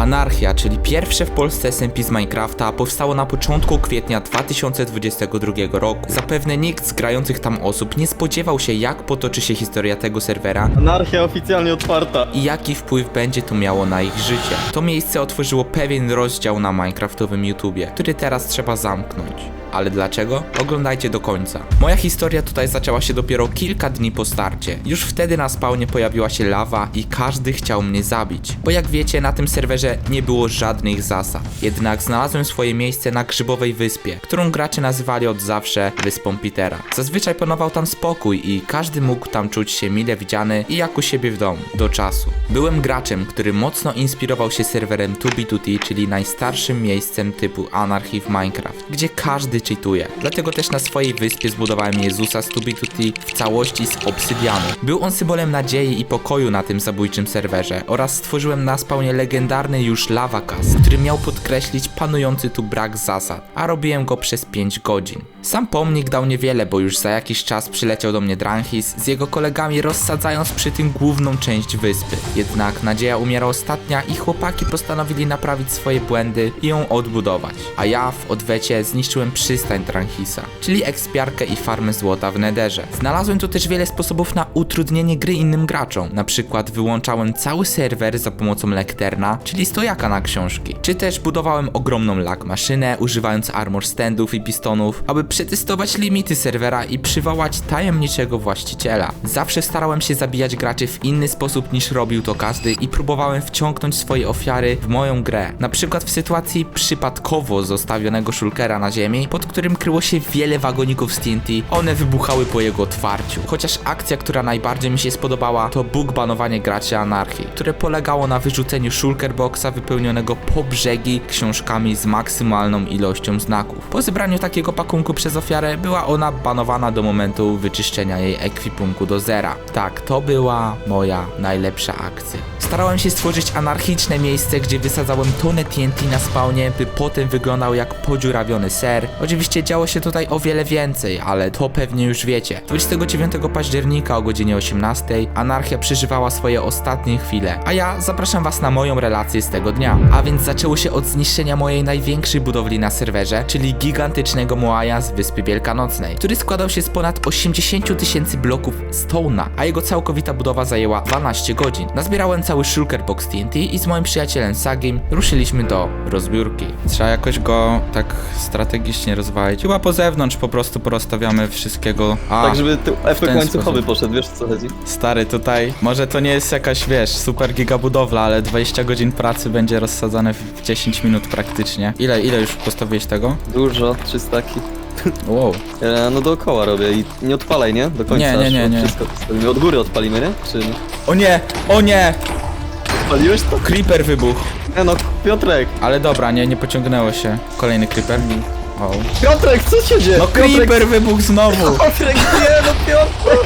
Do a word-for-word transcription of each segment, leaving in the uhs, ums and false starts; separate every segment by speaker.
Speaker 1: Anarchia, czyli pierwsze w Polsce S M P z Minecrafta, powstało na początku kwietnia dwa tysiące dwudziestego drugiego roku. Zapewne nikt z grających tam osób nie spodziewał się, jak potoczy się historia tego serwera
Speaker 2: Anarchia oficjalnie otwarta.
Speaker 1: i jaki wpływ będzie to miało na ich życie. To miejsce otworzyło pewien rozdział na minecraftowym YouTubie, który teraz trzeba zamknąć. Ale dlaczego? Oglądajcie do końca. Moja historia tutaj zaczęła się dopiero kilka dni po starcie. Już wtedy na spawnie pojawiła się lawa i każdy chciał mnie zabić. Bo jak wiecie, na tym serwerze nie było żadnych zasad. Jednak znalazłem swoje miejsce na Grzybowej Wyspie, którą gracze nazywali od zawsze Wyspą Petera. Zazwyczaj panował tam spokój i każdy mógł tam czuć się mile widziany i jak u siebie w domu. Do czasu. Byłem graczem, który mocno inspirował się serwerem two B two T, czyli najstarszym miejscem typu anarchii w Minecraft, gdzie każdy cheatuje. Dlatego też na swojej wyspie zbudowałem Jezusa z two B two T w całości z obsydianu. Był on symbolem nadziei i pokoju na tym zabójczym serwerze oraz stworzyłem na spawnie legendarny już lava cast, który miał podkreślić panujący tu brak zasad, a robiłem go przez pięć godzin. Sam pomnik dał niewiele, bo już za jakiś czas przyleciał do mnie Dranhis z jego kolegami, rozsadzając przy tym główną część wyspy. Jednak nadzieja umiera ostatnia i chłopaki postanowili naprawić swoje błędy i ją odbudować. A ja w odwecie zniszczyłem przystań Dranhisa, czyli ekspiarkę i farmę złota w Netherze. Znalazłem tu też wiele sposobów na utrudnienie gry innym graczom. Na przykład wyłączałem cały serwer za pomocą lekterna, czyli stojaka na książki. Czy też budowałem ogromną lag maszynę, używając armor standów i pistonów, aby przetestować limity serwera i przywołać tajemniczego właściciela. Zawsze starałem się zabijać graczy w inny sposób niż robił to każdy i próbowałem wciągnąć swoje ofiary w moją grę. Na przykład w sytuacji przypadkowo zostawionego shulkera na ziemi, pod którym kryło się wiele wagoników z T N T, one wybuchały po jego otwarciu. Chociaż akcja, która najbardziej mi się spodobała, to bug banowanie graczy anarchii, które polegało na wyrzuceniu shulker boxa wypełnionego po brzegi książkami z maksymalną ilością znaków. Po zebraniu takiego pakunku przez ofiarę była ona banowana do momentu wyczyszczenia jej ekwipunku do zera. Tak, to była moja najlepsza akcja. Starałem się stworzyć anarchiczne miejsce, gdzie wysadzałem tonę T N T na spawnie, by potem wyglądał jak podziurawiony ser. Oczywiście działo się tutaj o wiele więcej, ale to pewnie już wiecie. dwudziestego dziewiątego października o godzinie osiemnastej anarchia przeżywała swoje ostatnie chwile, a ja zapraszam was na moją relację z tego dnia. A więc zaczęło się od zniszczenia mojej największej budowli na serwerze, czyli gigantycznego Moaja z Wyspy Wielkanocnej, który składał się z ponad osiemdziesięciu tysięcy bloków Stone'a, a jego całkowita budowa zajęła dwanaście godzin. Nazbierałem cały shulker box T N T i z moim przyjacielem Sagim ruszyliśmy do rozbiórki. Trzeba jakoś go tak strategicznie rozwalić. Chyba po zewnątrz po prostu porozstawiamy wszystkiego. A,
Speaker 2: Tak, żeby tu efekt
Speaker 1: ten
Speaker 2: łańcuchowy
Speaker 1: sposób.
Speaker 2: poszedł, wiesz o co chodzi?
Speaker 1: Stary, tutaj może to nie jest jakaś, wiesz, super giga budowla, ale dwadzieścia godzin pracy będzie rozsadzane w dziesięć minut praktycznie. Ile, ile już postawiłeś tego?
Speaker 2: Dużo, trzy staki.
Speaker 1: Wow.
Speaker 2: E, no dookoła robię i nie odpalaj, nie? Do końca.
Speaker 1: Nie, nie,
Speaker 2: aż
Speaker 1: nie, nie.
Speaker 2: Wszystko postawimy. Od góry odpalimy, nie? Czy...
Speaker 1: O nie! O nie!
Speaker 2: Odpaliłeś to?
Speaker 1: Creeper wybuchł.
Speaker 2: E no, Piotrek!
Speaker 1: Ale dobra, nie, nie pociągnęło się. Kolejny creeper. O.
Speaker 2: Piotrek, co się dzieje?
Speaker 1: No creeper wybuchł znowu!
Speaker 2: Piotrek, nie, no Piotrek!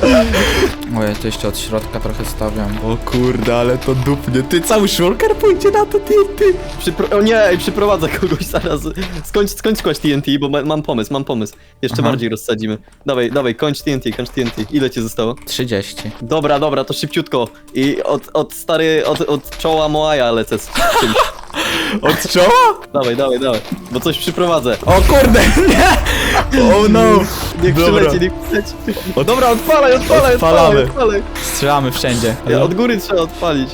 Speaker 1: Ojej, to jeszcze od środka trochę stawiam. O kurde, ale to dupnie. Ty, cały shulker pójdzie na to T N T.
Speaker 2: Przypro... O nie, ej, przyprowadzę kogoś zaraz. Skończ, skończ kłaść T N T, bo ma, mam pomysł, mam pomysł. Jeszcze
Speaker 1: Aha.
Speaker 2: bardziej rozsadzimy. Dawaj, dawaj, kończ T N T, kończ T N T. Ile ci zostało?
Speaker 1: trzydzieści.
Speaker 2: Dobra, dobra, to szybciutko. I od, od stary, od, od czoła Moaja lecę z czymś.
Speaker 1: Od czoła?
Speaker 2: Dawaj, dawaj, dawaj, bo coś przyprowadzę.
Speaker 1: O kurde, nie! Oh no!
Speaker 2: Niech
Speaker 1: Dobra.
Speaker 2: przyleci, niech przyleci. O dobra, odpalaj, odpalaj,
Speaker 1: Odpalamy.
Speaker 2: odpalaj, odpalaj.
Speaker 1: Strzelamy wszędzie.
Speaker 2: Ja, od góry trzeba odpalić.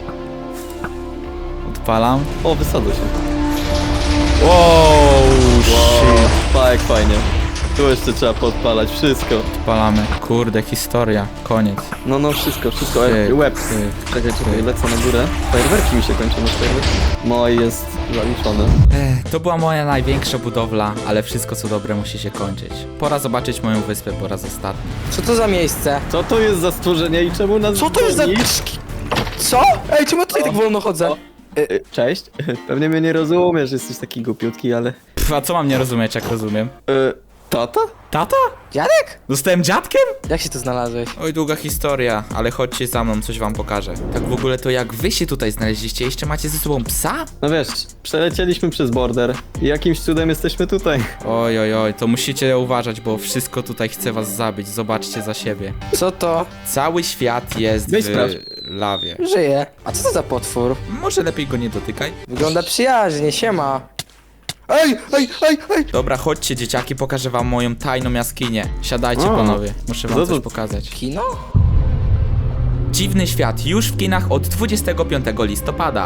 Speaker 1: Odpalam.
Speaker 2: O, wysadzę się.
Speaker 1: Wow,
Speaker 2: Wow,
Speaker 1: shit.
Speaker 2: pa, jak fajnie. Tu jeszcze trzeba podpalać, wszystko.
Speaker 1: Odpalamy. Kurde, historia. Koniec.
Speaker 2: No, no, wszystko, wszystko.
Speaker 1: Ty,
Speaker 2: E, Łeb.
Speaker 1: ty.
Speaker 2: Czekaj, czekaj, lecę na górę. Fajerwerki mi się kończą, no fajerwerki. Moj jest zaliczony.
Speaker 1: Ech, to była moja największa budowla, ale wszystko co dobre musi się kończyć. Pora zobaczyć moją wyspę po raz ostatni.
Speaker 3: Co to za miejsce?
Speaker 2: Co to jest za stworzenie i czemu nas
Speaker 3: Co to jest za...
Speaker 2: gonisz?
Speaker 3: Co? Ej, czemu ja tutaj tak wolno chodzę?
Speaker 2: O. E, e, Cześć. Pewnie mnie nie rozumiesz, jesteś taki głupiutki, ale...
Speaker 1: Pff, a co mam nie rozumieć, jak rozumiem?
Speaker 2: E, Tata?
Speaker 1: Tata?
Speaker 3: Dziadek?
Speaker 1: Zostałem dziadkiem?
Speaker 3: Jak się tu znalazłeś?
Speaker 1: Oj, długa historia, ale chodźcie za mną, coś wam pokażę. Tak w ogóle to jak wy się tutaj znaleźliście? Jeszcze macie ze sobą psa?
Speaker 2: No wiesz, przelecieliśmy przez border i jakimś cudem jesteśmy tutaj.
Speaker 1: Oj, oj, oj, to musicie uważać, bo wszystko tutaj chce was zabić. Zobaczcie za siebie.
Speaker 3: Co to?
Speaker 1: Cały świat jest
Speaker 2: Weź
Speaker 1: w
Speaker 2: sprawdź.
Speaker 1: lawie.
Speaker 3: Żyje. A co to za potwór?
Speaker 1: Może lepiej go nie dotykaj?
Speaker 3: Wygląda przyjaźnie, siema. Ej, ej, ej, ej!
Speaker 1: Dobra, chodźcie dzieciaki, pokażę wam moją tajną jaskinię. Siadajcie
Speaker 2: O,
Speaker 1: panowie, muszę wam
Speaker 2: co
Speaker 1: coś
Speaker 2: to-
Speaker 1: pokazać.
Speaker 3: Kino?
Speaker 1: Dziwny świat już w kinach od dwudziestego piątego listopada.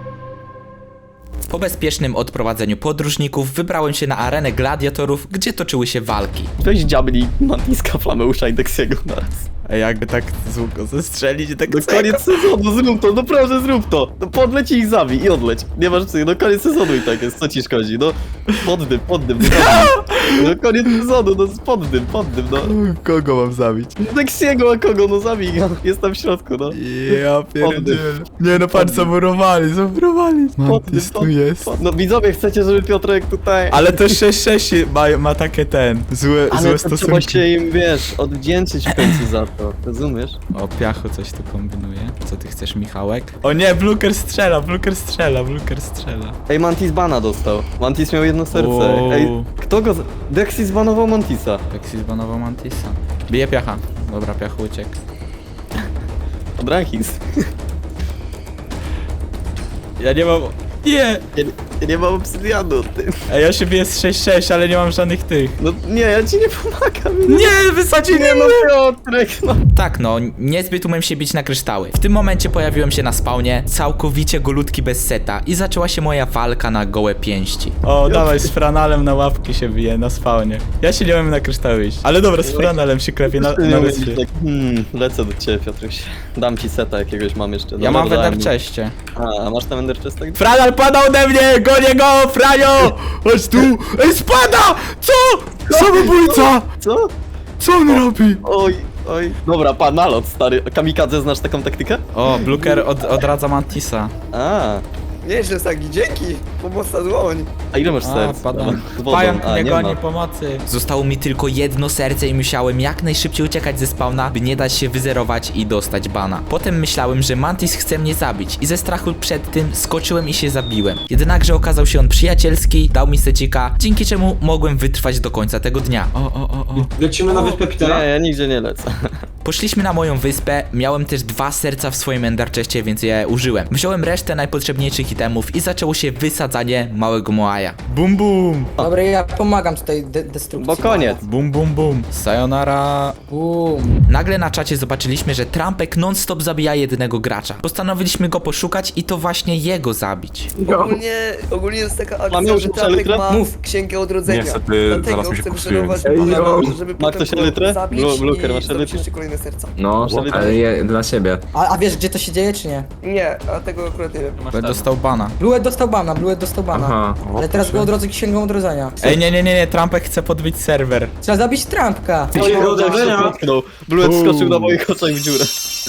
Speaker 1: Po bezpiecznym odprowadzeniu podróżników wybrałem się na arenę gladiatorów, gdzie toczyły się walki.
Speaker 2: Weź dziabli Mantiska, Flameusza i Dexiego naraz.
Speaker 1: A jakby tak z łuku zestrzelić, tak
Speaker 2: Do koniec sezonu, zrób to, no proszę zrób to. No podleć i ich zabij i odleć. Nie masz co, no koniec sezonu i tak jest, co ci szkodzi, no. Poddym, poddym, no, zabij. No koniec sezonu, no poddym, poddym, no.
Speaker 1: Kogo mam zabić?
Speaker 2: Dexiego, a kogo, no zabij go, jest tam w środku, no.
Speaker 1: Ja pierdzielę. Nie no, patrz, zamurowali, zamurowali. Mantis tu jest.
Speaker 2: pod- No widzowie, chcecie, żeby Piotrek tutaj...
Speaker 1: Ale to sześć sześć ma, ma takie ten, złe,
Speaker 2: Ale
Speaker 1: złe
Speaker 2: to trzeba
Speaker 1: stosunki.
Speaker 2: się im, wiesz, odwdzięczyć w końcu za to, rozumiesz?
Speaker 1: O, Piachu coś tu kombinuje. Co ty chcesz, Michałek? O nie, Bluker strzela, Bluker strzela, Bluker strzela.
Speaker 2: Ej, Mantis bana dostał. Mantis miał jedno serce.
Speaker 1: Wow.
Speaker 2: Ej, kto go... z- Dexy zbanował Mantisa.
Speaker 1: Tak się zbanował Mantisa. Bije Piacha. Dobra, Piachu uciekł.
Speaker 2: Od Rankings.
Speaker 1: Ja nie mam... Nie!
Speaker 2: Ja, ja nie mam obsydianu, ty.
Speaker 1: Ej, ja się biję z sześć sześć, ale nie mam żadnych tych.
Speaker 2: No nie, ja ci nie pomagam.
Speaker 1: Nie, wysadzili
Speaker 2: Nie no, Piotrek, no.
Speaker 1: Tak no, niezbyt umiem się bić na kryształy. W tym momencie pojawiłem się na spawnie, całkowicie golutki bez seta i zaczęła się moja walka na gołe pięści. O, dawaj, z franalem na łapki się bije na spawnie. Ja się nie umiem na kryształy iść. Ale dobra, z franalem się klepię na,
Speaker 2: Nie
Speaker 1: na
Speaker 2: mówię
Speaker 1: wyspie.
Speaker 2: tak, hmm, lecę do ciebie, Piotruś. Dam ci seta jakiegoś, mam jeszcze.
Speaker 1: Ja
Speaker 2: Dobra,
Speaker 1: mam w
Speaker 2: dałem
Speaker 1: Ender
Speaker 2: mi.
Speaker 1: Chestie.
Speaker 2: A, a masz tam Ender Chest? Tak?
Speaker 1: Franal pada ode mnie! Gonię go! Franio! Chodź tu! Ej, spada! Co? Samobójca!
Speaker 2: Co?
Speaker 1: Co on robi?
Speaker 2: Oj, oj. Dobra, pan nalot, stary. Kamikadze, znasz taką taktykę?
Speaker 1: O, Bluker od, odradza Mantisa.
Speaker 2: A,
Speaker 3: Nieźle, Sagi, dzięki! Pomocna dłoń!
Speaker 2: a ile masz
Speaker 1: A,
Speaker 2: serc?
Speaker 1: padam.
Speaker 2: Z wodą.
Speaker 1: Pająk
Speaker 2: A,
Speaker 1: mnie
Speaker 2: nie
Speaker 1: goni,
Speaker 2: ma.
Speaker 1: pomocy. Zostało mi tylko jedno serce i musiałem jak najszybciej uciekać ze spawna, by nie dać się wyzerować i dostać bana. Potem myślałem, że Mantis chce mnie zabić i ze strachu przed tym skoczyłem i się zabiłem. Jednakże okazał się on przyjacielski, dał mi secika, dzięki czemu mogłem wytrwać do końca tego dnia. O, o, o, o.
Speaker 4: Lecimy na wyspę Petera?
Speaker 2: Nie, ja nigdzie nie lecę.
Speaker 1: Poszliśmy na moją wyspę, miałem też dwa serca w swoim Ender Chestie, więc je użyłem. Wziąłem resztę najpotrzebniejszych itemów i zaczęło się wysadzanie małego Moaja. Bum bum!
Speaker 3: Dobra, ja pomagam tutaj de destrukcji.
Speaker 2: Bo koniec.
Speaker 1: Bum bum bum. Sayonara.
Speaker 3: Bum.
Speaker 1: Nagle na czacie zobaczyliśmy, że Trumpek non-stop zabija jednego gracza. Postanowiliśmy go poszukać i to właśnie jego zabić.
Speaker 5: Ogólnie, ogólnie jest taka
Speaker 2: Mamy
Speaker 5: akcja,
Speaker 2: już
Speaker 5: że Trumpek
Speaker 2: litrę?
Speaker 5: ma
Speaker 3: Mów.
Speaker 5: księgę odrodzenia.
Speaker 4: Niestety,
Speaker 5: Dlatego
Speaker 4: zaraz mi się
Speaker 5: chcę
Speaker 4: popsuje.
Speaker 5: wyszorować
Speaker 4: Ej,
Speaker 5: pana,
Speaker 4: yo.
Speaker 5: żeby
Speaker 2: Ma
Speaker 5: potem
Speaker 2: ktoś
Speaker 5: go
Speaker 2: litrę?
Speaker 5: zabić
Speaker 2: Blu- Bluker,
Speaker 5: i
Speaker 2: masz
Speaker 5: zrobić
Speaker 2: litrę?
Speaker 5: jeszcze kolejne serca.
Speaker 6: No,
Speaker 2: Żeby-
Speaker 6: ale je dla siebie.
Speaker 3: A, a wiesz, gdzie to się dzieje, czy nie?
Speaker 5: Nie, a tego akurat nie wiem.
Speaker 1: Będę dostał bana.
Speaker 3: Bluet dostał bana, Bluet dostał bana.
Speaker 6: Aha.
Speaker 3: Ale teraz go odrodzę księgą odrodzenia.
Speaker 1: Ej, nie, nie, nie, nie, Trumpek chce podbić serwer.
Speaker 3: Trzeba zabić Trumpka.
Speaker 2: Oj, jak się potknął. Bluet skoczył na moich oczach w dziurę.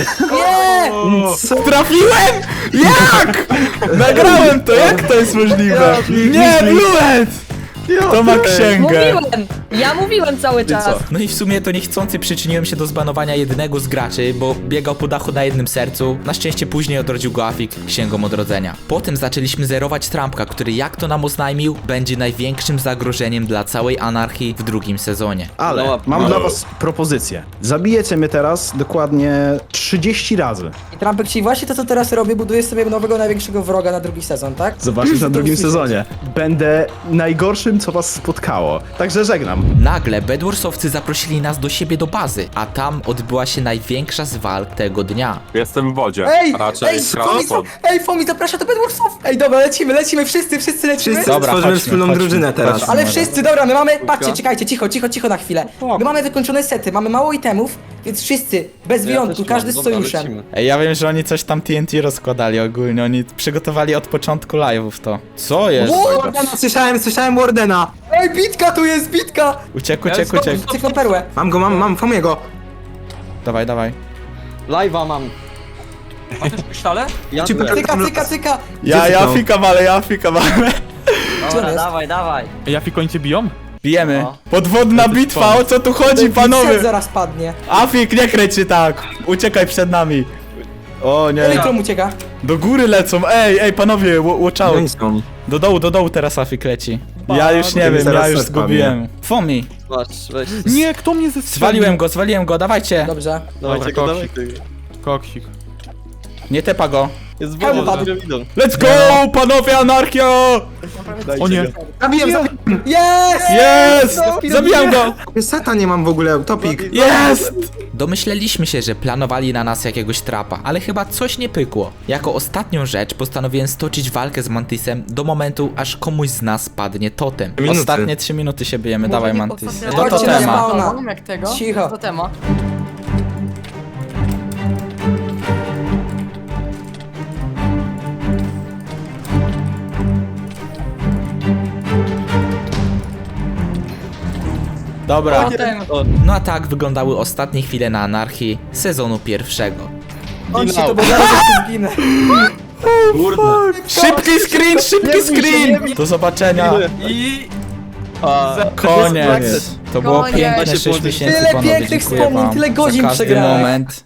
Speaker 3: Nie!
Speaker 1: Trafiłem! Jak? Nagrałem to, jak to jest możliwe? Nie, Bluet! To ma księgę.
Speaker 7: Mówiłem! Ja mówiłem cały czas!
Speaker 1: No i w sumie to niechcący przyczyniłem się do zbanowania jednego z graczy, bo biegał po dachu na jednym sercu. Na szczęście później odrodził go Afik księgą odrodzenia. Potem zaczęliśmy zerować Trumpka, który jak to nam oznajmił, będzie największym zagrożeniem dla całej anarchii w drugim sezonie.
Speaker 8: Ale
Speaker 2: No,
Speaker 8: mam
Speaker 2: no.
Speaker 8: dla was propozycję. Zabijecie mnie teraz dokładnie trzydzieści razy.
Speaker 3: I Trumpek, czyli właśnie to, co teraz robię, buduje sobie nowego, największego wroga na drugi sezon, tak?
Speaker 8: Zobaczysz na drugim sezonie. Będę najgorszym, co was spotkało. Także żegnam.
Speaker 1: Nagle Bedwarsowcy zaprosili nas do siebie do bazy, a tam odbyła się największa z walk tego dnia.
Speaker 4: Jestem w wodzie.
Speaker 3: Ej!
Speaker 4: Raczej
Speaker 3: ej, Fomi,
Speaker 4: krasnopod.
Speaker 3: ej, Fomi, zaprasza do Bedwarsów! Ej, dobra, lecimy, lecimy, wszyscy, wszyscy lecimy.
Speaker 6: Wszyscy
Speaker 1: Dobra,
Speaker 6: stworzymy
Speaker 1: chodźmy,
Speaker 6: wspólną
Speaker 1: chodźmy,
Speaker 6: drużynę teraz.
Speaker 1: chodźmy.
Speaker 3: Ale wszyscy, dobra, my mamy, patrzcie, czekajcie, cicho, cicho, cicho na chwilę. My mamy wykończone sety, mamy mało itemów, więc wszyscy, bez wyjątku,
Speaker 2: też
Speaker 3: każdy
Speaker 2: mam.
Speaker 3: z
Speaker 2: Dobra,
Speaker 3: sojuszem.
Speaker 2: lecimy.
Speaker 1: Ej, ja wiem, że oni coś tam T N T rozkładali ogólnie, oni przygotowali od początku live'ów to. Co jest?
Speaker 6: Słyszałem, słyszałem Wardena.
Speaker 3: Ej, bitka tu jest, bitka!
Speaker 1: Uciekł, uciekł, uciekł.
Speaker 3: Cyknął perłę.
Speaker 6: Mam go, mam, mam Fomiego.
Speaker 1: Dawaj, dawaj.
Speaker 2: Live'a mam.
Speaker 9: Pisztale?
Speaker 2: Ja
Speaker 6: Ci
Speaker 2: byłem.
Speaker 3: Cyka, cyka, cyka.
Speaker 1: Ja, ja
Speaker 6: zniknął?
Speaker 1: fikam, ale ja fikam, ale...
Speaker 3: Gdzie on jest?
Speaker 9: dawaj, dawaj.
Speaker 10: Jafik, oni cię biją?
Speaker 1: Bijemy.
Speaker 2: No.
Speaker 1: Podwodna bitwa, o co tu chodzi,
Speaker 3: Set
Speaker 1: panowie?
Speaker 3: zaraz padnie.
Speaker 1: Afik, nie kręć się tak. Uciekaj przed nami. O nie.
Speaker 3: Elektron ucieka.
Speaker 1: Do góry lecą, ej, ej, panowie, wa- watch
Speaker 6: No
Speaker 1: out.
Speaker 6: i są.
Speaker 1: Do dołu, do dołu teraz Afik leci. Ja już nie
Speaker 8: Zaraz
Speaker 1: wiem, ja już
Speaker 8: set padnie.
Speaker 1: zgubiłem. Fomi.
Speaker 2: Masz, weź.
Speaker 8: Nie, kto mnie zestrzelił?
Speaker 1: Zwaliłem go, zwaliłem go, dawajcie.
Speaker 3: Dobrze.
Speaker 2: Dawajcie go,
Speaker 8: Dobra,
Speaker 2: dawajcie go.
Speaker 8: Koksik.
Speaker 1: Nie tepa go.
Speaker 2: Jest
Speaker 3: Hełm
Speaker 2: woda
Speaker 3: padł.
Speaker 2: z piramidą.
Speaker 1: Let's go, panowie, anarchia!
Speaker 8: O nie.
Speaker 6: Zabiłem, zabiłem.
Speaker 3: Jest!
Speaker 1: Jest! Zabijam go!
Speaker 6: Seta nie mam w ogóle, topik.
Speaker 1: Jest! Domyśleliśmy się, że planowali na nas jakiegoś trapa, ale chyba coś nie pykło. Jako ostatnią rzecz postanowiłem stoczyć walkę z Mantisem do momentu, aż komuś z nas padnie totem.
Speaker 6: Minuty.
Speaker 1: Ostatnie trzy minuty się bijemy, dawaj Mantis. Do
Speaker 3: Chodźcie na
Speaker 1: totema.
Speaker 3: spawna.
Speaker 7: Jak tego?
Speaker 3: Cicho.
Speaker 7: To tema.
Speaker 1: Dobra.
Speaker 7: Totem.
Speaker 1: No a tak wyglądały ostatnie chwile na anarchii sezonu pierwszego.
Speaker 3: Chodźcie to, bo zaraz jeszcze zginę.
Speaker 1: Szybki screen, szybki screen! Do zobaczenia.
Speaker 9: I...
Speaker 2: A,
Speaker 1: Koniec. To było
Speaker 7: Koniec.
Speaker 1: piękne
Speaker 5: Macie
Speaker 1: sześć
Speaker 5: położyć.
Speaker 1: miesięcy,
Speaker 3: Tyle
Speaker 1: panowie,
Speaker 3: pięknych
Speaker 1: dziękuję
Speaker 3: wspomnień,
Speaker 1: wam
Speaker 3: tyle
Speaker 1: za
Speaker 3: godzin
Speaker 1: każdy
Speaker 3: przegrałem.
Speaker 1: moment.